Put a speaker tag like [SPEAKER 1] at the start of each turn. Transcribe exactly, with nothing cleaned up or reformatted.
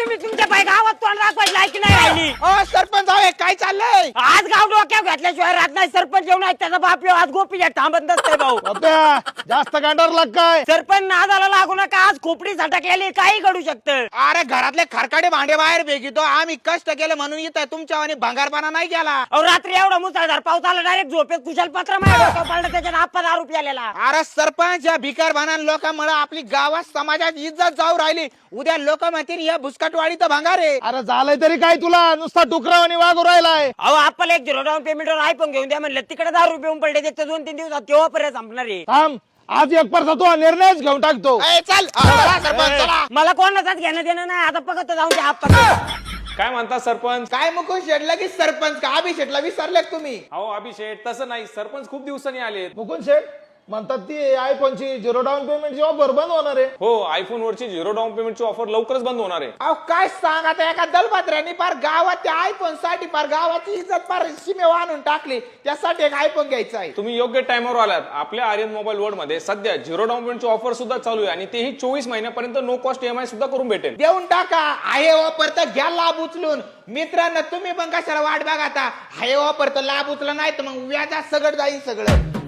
[SPEAKER 1] तुम्ही तुमच्या बाई गावात तोंड दाखवायची लायकी नाही राहिली.
[SPEAKER 2] अ सरपंच आहे काय चाललंय?
[SPEAKER 1] आज गाव डोक्यावर घातल्याशिवाय राहत नाही. सरपंच जेवण आहे त्याचा बाप येऊ आज गोपी थांबत नसते भाऊ.
[SPEAKER 3] बाप्या, जास्त गांडार लाग काय?
[SPEAKER 1] सरपंच नादाला लागू नका. आज खोपडी झटकलेली काही घडू शकतं.
[SPEAKER 2] अरे घरातले खरकाडे भांडे बाहेर फेकितो. आम्ही कष्ट केले म्हणून इथं तुमच्या आणि भंगारपणा नाही केला.
[SPEAKER 1] अहो रात्री एवढा मुसळधार पाऊस आला डायरेक्ट झोपेत कुशल पत्र माझ्या डोक्यावर पडलं त्याच्यात आपण दारू प्यालेला.
[SPEAKER 2] अरे सरपंच या भिकार भाना लोकांमुळे आपली गावात समाजात इज्जत जाऊ राहिली. उद्या लोक म्हणतील या भुसकाटवाडी तर भंगार आहे.
[SPEAKER 3] अरे झालंय तरी काय तुला? नुसता टुकरावानी वागू राहिलाय.
[SPEAKER 1] अहो आपल्याला एक झिरो डाऊन पेमेंटवर आयफोन घेऊन द्या म्हणलं. तिकडे दारू पिऊन पडले त्याच्या दोन तीन दिवसात केव्हा पर्यंत संपणार आहे.
[SPEAKER 3] थांब, आज एक परसा तू निर्णयच घेऊन टाकतो.
[SPEAKER 2] ए, चल अ, चला, सरपंच चला.
[SPEAKER 1] मला कोणाचाच घेणं देणं नाही. आता पकत जाऊन द्या आपण.
[SPEAKER 4] काय म्हणता सरपंच?
[SPEAKER 2] काय मुकुंद शेटला की सरपंच का अभिषेटला विसरले तुम्ही?
[SPEAKER 4] अहो अभिषेक तसं नाही, सरपंच खूप दिवसांनी आलेत.
[SPEAKER 3] मुकुंद शेठ म्हणतात ती आयफोनची झिरो डाऊन पेमेंटची ऑफर बंद होणार आहे.
[SPEAKER 4] हो, आयफोन वरची झिरो डाऊन पेमेंटची ऑफर लवकरच बंद होणार आहे.
[SPEAKER 2] अहो काय सांग आता एका दलपत्र्याने पार गावात त्या आयफोन साठी पार गावाची इज्जत पार सीमेवर आणून टाकली. त्यासाठी एक आयफोन घ्यायचा आहे.
[SPEAKER 4] तुम्ही योग्य टाइमवर आलात. आपल्या आर्यन मोबाईल वर्ल्ड मध्ये सध्या झिरो डाऊन पेमेंटची ऑफर सुद्धा चालू आहे आणि तेही चोवीस महिन्यापर्यंत नो कॉस्ट ईएमआय सुद्धा करून भेटेल.
[SPEAKER 2] देऊन टाका. आहे वापर तर घ्या लाभ उचलून. मित्रांनो तुम्ही पण कशाला वाट बघा आता. आहे वापर तर लाभ उचला नाही तर मग व्याजात सगळं जाईल सगळं.